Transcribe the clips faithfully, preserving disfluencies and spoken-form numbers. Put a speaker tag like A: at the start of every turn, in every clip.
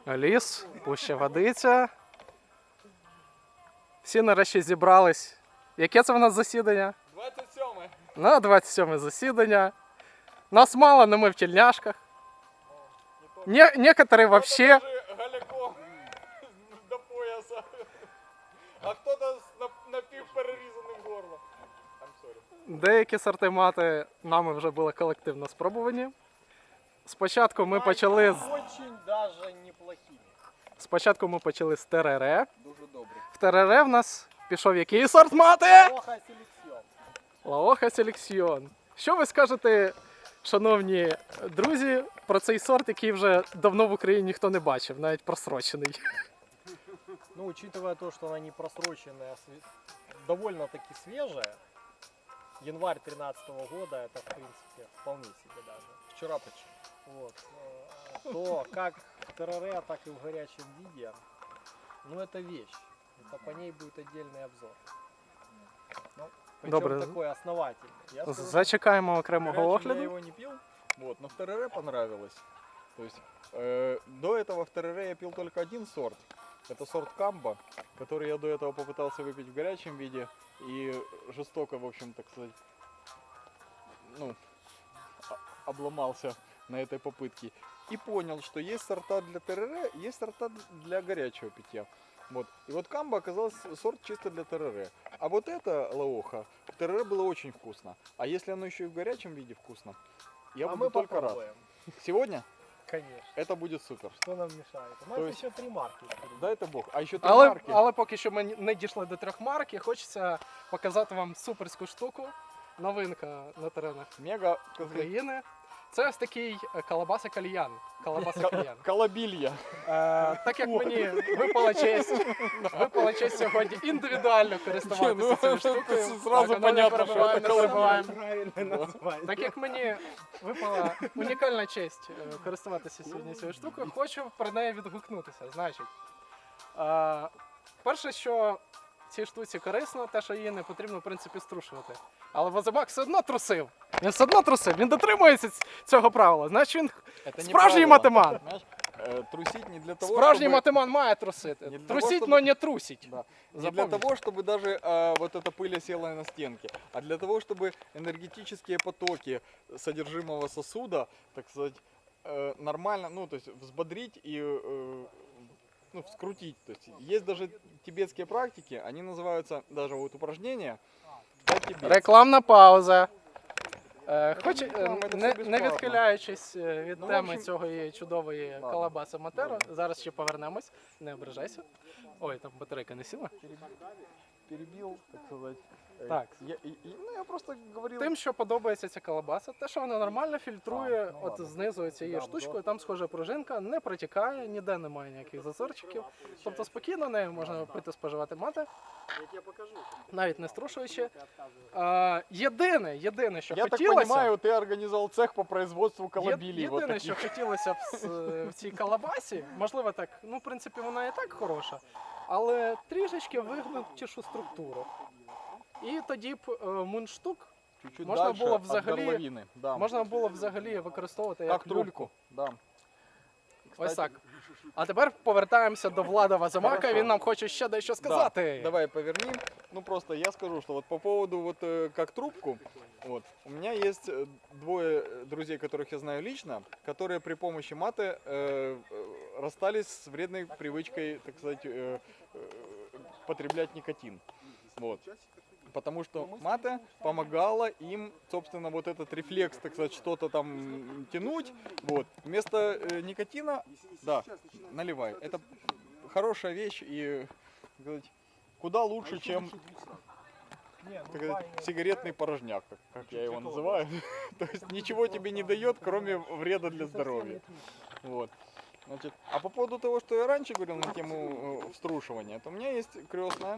A: Ліс, пуща водиця. Всі нарешті зібрались. Яке це в нас засідання?
B: двадцять сьоме.
A: На двадцять сьоме засідання. Нас мало, але ми в тельняшках. Не, некоторые вообще...
B: Голяком до пояса. А хто-то з напівперерізаним горлом. I'm sorry.
A: Деякі сорти мати нами вже були колективно спробувані. Спочатку ми почали з...
B: Очень даже неплохими.
A: Спочатку ми почали з терере.
B: Дуже добре.
A: В терере в нас пішов який сорт мати?
B: Лоха селекціон.
A: Лаоха Селекціон. Що ви скажете, шановні друзі, про цей сорт, який вже давно в Україні ніхто не бачив, навіть просрочений?
C: Ну, учитывая то, что она не просроченная, а све- довольно-таки свежая, январь тринадцатого года, это, в принципе, вполне себе даже.
B: Вчора почти.
C: Вот. э, То, как в ТРР, так и в горячем виде, ну, это вещь. Это по ней будет отдельный обзор. Ну, причем
A: Добре.
C: такой основательный. Я скажу, что
A: Зачекаємо окремого
B: Горячим я
A: огляду.
B: его не пил, вот, но в ТРР понравилось. То есть э, до этого в ТРР я пил только один сорт. Это сорт Камба, который я до этого попытался выпить в горячем виде и жестоко, в общем, так сказать, ну, о- обломался на этой попытке. И понял, что есть сорта для ТРР, есть сорта для горячего питья. Вот. И вот Камба оказался сорт чисто для ТРР. А вот это лаоха в ТРР было очень вкусно. А если оно еще и в горячем виде вкусно, я
C: а
B: буду
C: мы
B: только рад.
C: попробуем.
B: Сегодня
C: Конечно.
B: это будет супер.
C: Что нам мешает? У нас
B: То есть-
C: еще три марки. впереди.
B: Дай это Бог. А еще три
A: Але,
B: марки.
A: але поки що ми не дійшли до трьох марок, і хочеться показати вам суперську штуку. Новинка на теренах
B: Мега
A: України. Це ось такий е, колобаса кальян. Колобаса кальян.
B: колобилья.
A: Е, так як мені випала честь, випала честь сьогодні індивідуально користуватися цією штукою.
B: ну, Зразу
A: Так, воно не
B: понятно, що
A: перебиває,
B: це
A: не
B: колобілья.
A: перебиваємо. Так як мені випала унікальна честь е, користуватися сьогодні цією штукою, хочу про неї відгукнутися. Значить, е, перше, що цій штуці корисно, те, що її не потрібно в принципі струшувати. Але Возимак все одно трусив. Він все одно трусив, він дотримується ць- цього правила. Значить він
B: Это не
A: справжній
B: правило.
A: матеман.
B: Знаешь, э, трусить не для того,
A: Справжній
B: чтобы...
A: матеман має трусити.
B: Не для того,
A: Трусіть,
B: щоб-
A: но не трусить.
B: Да. Не для
A: Запомните.
B: того, чтобы даже э, вот эта пыль осела на стенке, а для того, чтобы энергетические потоки содержимого сосуда, так сказать, э, нормально, ну, то есть взбодрить и э, ну, вскрутить. То есть есть даже тибетские практики, они называются, даже вот упражнения, «Пять тибетцев».
A: Рекламна пауза. Е, Хоч, е,
B: реклама, це
A: не,
B: все
A: не
B: безплатно.
A: відхиляючись е, від
B: Ну, в
A: теми
B: общем-
A: цього її чудової
B: Ладно.
A: колобаса Матеро,
B: Ладно.
A: зараз ще повернемось, не ображайся. Ой, там батарейка не сіла.
B: Перебил, так сказать. Э,
A: Так.
B: Я, и- и- ну, я просто говорил...
A: Тим, що подобається ця колобаса, те, що вона нормально фільтрує
B: А, ну
A: от
B: ладно.
A: знизу цією
B: Да,
A: штучкою, там схожа пружинка, не протікає, ніде немає ніяких зазорчиків. Тобто спокійно нею можна пити, споживати мати,
C: Я тебе покажу.
A: навіть не струшуючи. А, єдине, єдине, що
B: Я так
A: хотілося...
B: понимаю, ты организовал цех по производству
A: Є-
B: колобилей. вот
A: Єдине, що
B: таких.
A: хотілося б з- в цій колобасі, можливо так, ну в принципі вона і так хороша, але трішечки вигнутішу структуру. І тоді б е, мундштук
B: Чуть-чуть
A: можна
B: дальше
A: було
B: от
A: взагалі-
B: горловины, да.
A: можна було взагалі використовувати як,
B: Как
A: люльку.
B: трубку, да.
A: Ось
B: Кстати,
A: так. А тепер повертаємося до Влада Возимака,
B: Хорошо.
A: він нам хоче ще дещо сказати.
B: Да, давай поверни. Ну просто я скажу, что вот по поводу вот э, как трубку, вот у меня есть э, двое друзей, которых я знаю лично, которые при помощи маты э, э, расстались с вредной привычкой, так сказать, э, э, потреблять никотин. Вот. Потому что мата помогала им, собственно, вот этот рефлекс, так сказать, что-то там тянуть. Вот. Вместо э, никотина, да, наливай. Это хорошая вещь и, так сказать, куда лучше, чем
C: Не, ну,
B: так сказать,
C: Ваня,
B: сигаретный порожняк, как, как я его называю. То есть ничего тебе не дает, кроме вреда для здоровья. Вот. Значит, а по поводу того, что я раньше говорил на тему э, вструшивания, то у меня есть крестная,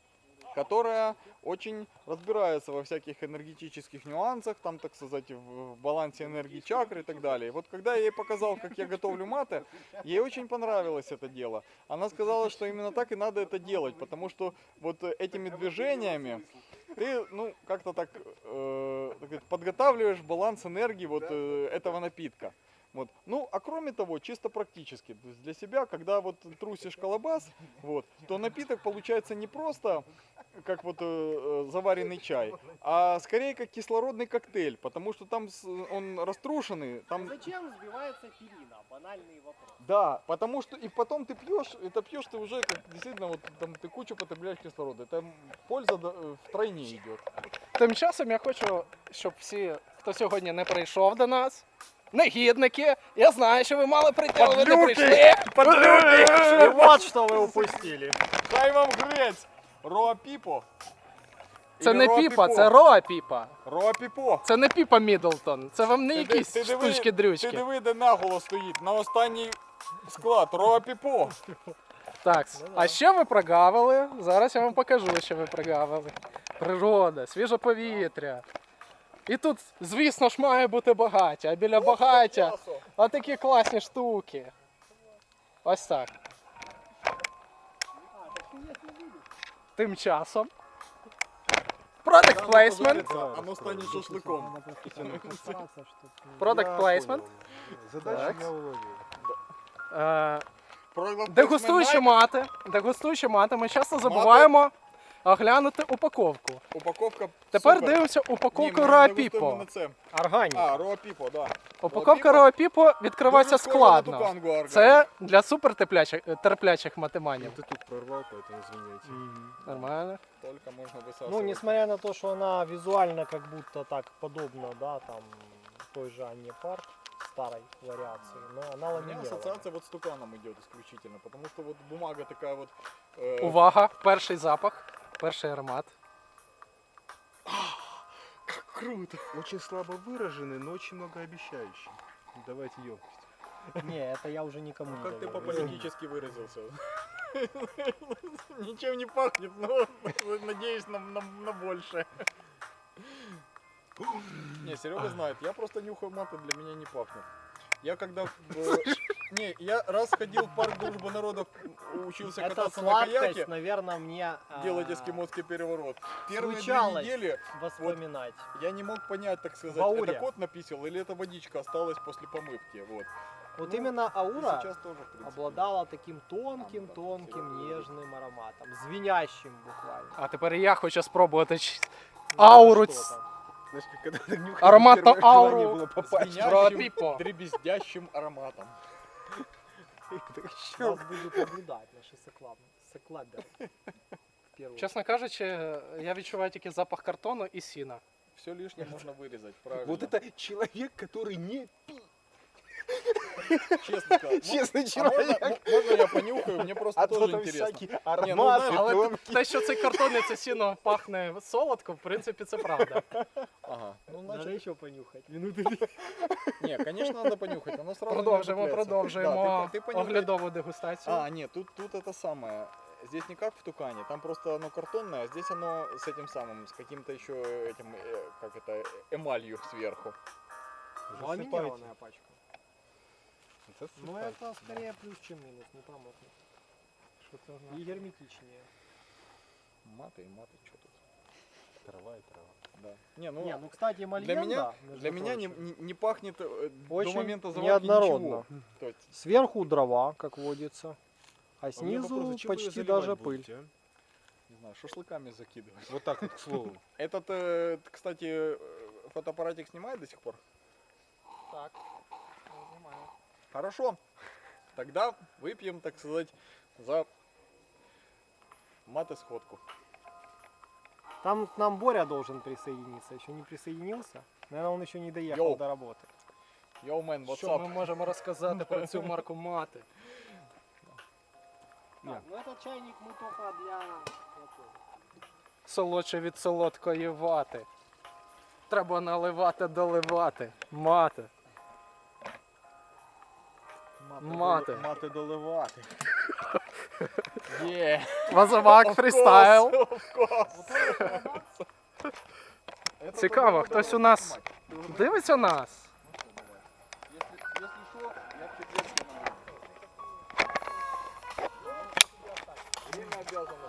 B: которая очень разбирается во всяких энергетических нюансах, там, так сказать, в, в балансе энергии чакры и так далее. Вот когда я ей показал, как я готовлю маты, ей очень понравилось это дело. Она сказала, что именно так и надо это делать, потому что вот э, этими движениями ты, ну, как-то так, э, так сказать, подготавливаешь баланс энергии вот э, этого напитка. Вот. Ну, а кроме того, чисто практически, то есть для себя, когда вот трусишь колобас, вот, то напиток получается не просто как вот э, э, заваренный чай, а скорее как кислородный коктейль, потому что там с- он раструшенный, там
C: Зачем сбивается перина? Банальный вопрос.
B: да, потому что и потом ты пьешь, это пьешь ты уже как действительно вот там ты кучу потребляешь кислорода, это польза да, э, втройне идет.
A: Тим часом я хочу, щоб всі, хто сьогодні не прийшов до нас, негідники, я знаю, що ви мали прийти, але ви не прийшли.
C: И вот что вы упустили.
B: Хай вам грець! Роа Піпо.
A: Це
B: Или
A: не
B: Роа
A: піпа,
B: Піпо.
A: це Роа Піпа.
B: Роа Піпо.
A: Це не Піпа Міддлтон. Це вам не
B: Ти
A: якісь
B: ди- ти диви- Ти
A: штучки-дрючки.
B: диви, де наголос стоїть, на останній склад, Роа Піпо.
A: Так,
C: Ну да.
A: а що ви прогавили? Зараз я вам покажу, що ви прогавили. Природа, свіже повітря. І тут, звісно ж, має бути багаття, а біля багаття отакі класні штуки. Ось так. Тим часом. Product placement.
B: Оно стане шашликом.
A: Product placement.
D: Задачу
A: Так.
D: я уловил.
A: Е,
B: Продукт
A: Дегустуючи мати, дегустуючи мати, ми часто забуваємо оглянути упаковку.
B: Упаковка
A: Тепер
B: супер.
A: дивимося
B: Ні,
A: упаковку
B: ми
A: Роа
B: дегустуємо
A: Піпо.
B: на це.
C: Органик.
B: А, Роа Піпо, да.
A: Упаковка
B: Роа
A: Роа Піпо відкривається
B: Дуже схоже на
A: складно.
B: тукангу органік.
A: Це для супертерплячих терплячих матеманів.
D: Ты тут прорвал, поэтому извиняйте.
A: Нормально.
B: Только можно высасывать.
C: Ну, несмотря на то, что она визуально как будто так подобна, да, там, той же Анне Парк, старой вариации, но она
B: У меня
C: ламинирована.
B: ассоциация вот с туканом идет исключительно, потому что вот бумага такая вот... э,
A: Увага, перший запах, перший аромат.
B: Круто.
D: Очень слабо выраженный, но очень многообещающий. Давайте емкость.
C: Не, это я уже никому не
B: Как ты
C: доверю.
B: по-политически выразился? Ничем не пахнет, но надеюсь на, на, на большее. Не, Серега знает, я просто нюхаю маты, для меня не пахнет. Я когда... в- Не, я раз ходил в парк Дружбы Народов, учился
C: Это
B: кататься на
C: сладкость,
B: каяке,
C: наверное, мне а,
B: делать эскимосский переворот. Первые две
C: случалось
B: недели
C: воспоминать.
B: я не мог понять, так сказать,
C: Бауле.
B: это кот написал или это водичка осталась после помывки. Вот.
C: Вот
B: Ну,
C: именно
B: И
C: аура
B: сейчас тоже, в принципе.
C: обладала таким тонким, тонким, нежным ароматом, звенящим буквально.
A: А тепер і я хочу спробувати ч- ауру.
C: Что
A: ц-
C: там.
D: Знаешь, как когда ты нюхаешь,
A: Аромат на
D: первое желание
A: ауру.
D: было попасть.
B: Звенящим,
A: Роа Піпо.
B: дребездящим ароматом.
C: Вас будут наблюдать наши соклаб- соклаберы. В первую
A: Чесно кажучи, я відчуваю тільки запах картону і сіна.
B: Все лишнее можно вырезать, правильно.
D: Вот это человек, который не
B: честно сказать.
D: честный
B: А можно,
D: человек.
B: м- можно я понюхаю? Мне просто
D: А
B: тоже
D: то там
B: интересно.
D: всякие
B: Не, ну,
D: ароматы,
B: знаешь,
A: Але
D: тонкие.
A: те, що цей картон і це сіно пахне солодко, в принципі, це правда.
B: Ага. Ну,
C: Надо
B: значит,
C: еще понюхать.
B: не, конечно, надо понюхать. Оно сразу не
A: Продовжуємо,
B: цепляется.
A: продовжуємо
B: Да, ты, ты понюхай.
A: оглядову дегустацію.
B: А, нет, тут, тут это самое. Здесь не как в тукане, там просто оно картонное, а здесь оно с этим самым, с каким-то еще этим, э, как это, эмалью сверху.
C: Ламинированная пачка.
D: Это
C: Ну
D: супер.
C: это скорее плюс, чем минус, не промокнет.
A: Що це значить?
C: И герметичнее.
B: Маты и маты, что тут?
D: Трава и трава.
B: Да. Не, ну,
C: Не, ну кстати,
B: для
C: мальенда,
B: меня,
C: между
B: для меня не,
C: прочим,
B: не, не пахнет э, до
C: очень
B: момента заварки
C: неоднородно.
B: ничего. То есть,
C: Сверху дрова, как водится, а
D: А у меня
C: снизу
D: вопрос, зачем вы её
C: почти
D: заливать
C: даже
D: будете,
C: пыль.
D: а?
B: не знаю, шашлыками закидывать.
D: Вот так вот, к слову.
B: Этот, э, кстати, э, фотоаппаратик снимает до сих пор?
A: Так.
B: Хорошо. Тогда выпьем, так сказать, за мат-исходку.
C: Там к нам Боря должен присоединиться, еще не присоединился. Наверное, он еще не доехал
B: Йоу.
C: до работы.
B: Йоу, мен,
A: Що ми
B: what's up?
A: можемо розказати про цю марку мати?
C: Так, ну этот чайник мы только для...
A: Солодше від солодкої вати. Треба наливати, доливати. Мати. Мати.
B: Мати доливати. Є.
A: Вазовак фрістайл.
B: Это
A: Цікаво,
B: только
A: хтось
B: надо
A: у нас
B: снимать. Ты уже
A: дивиться нас.
B: Если, если что, я к тебе скину. Время обязано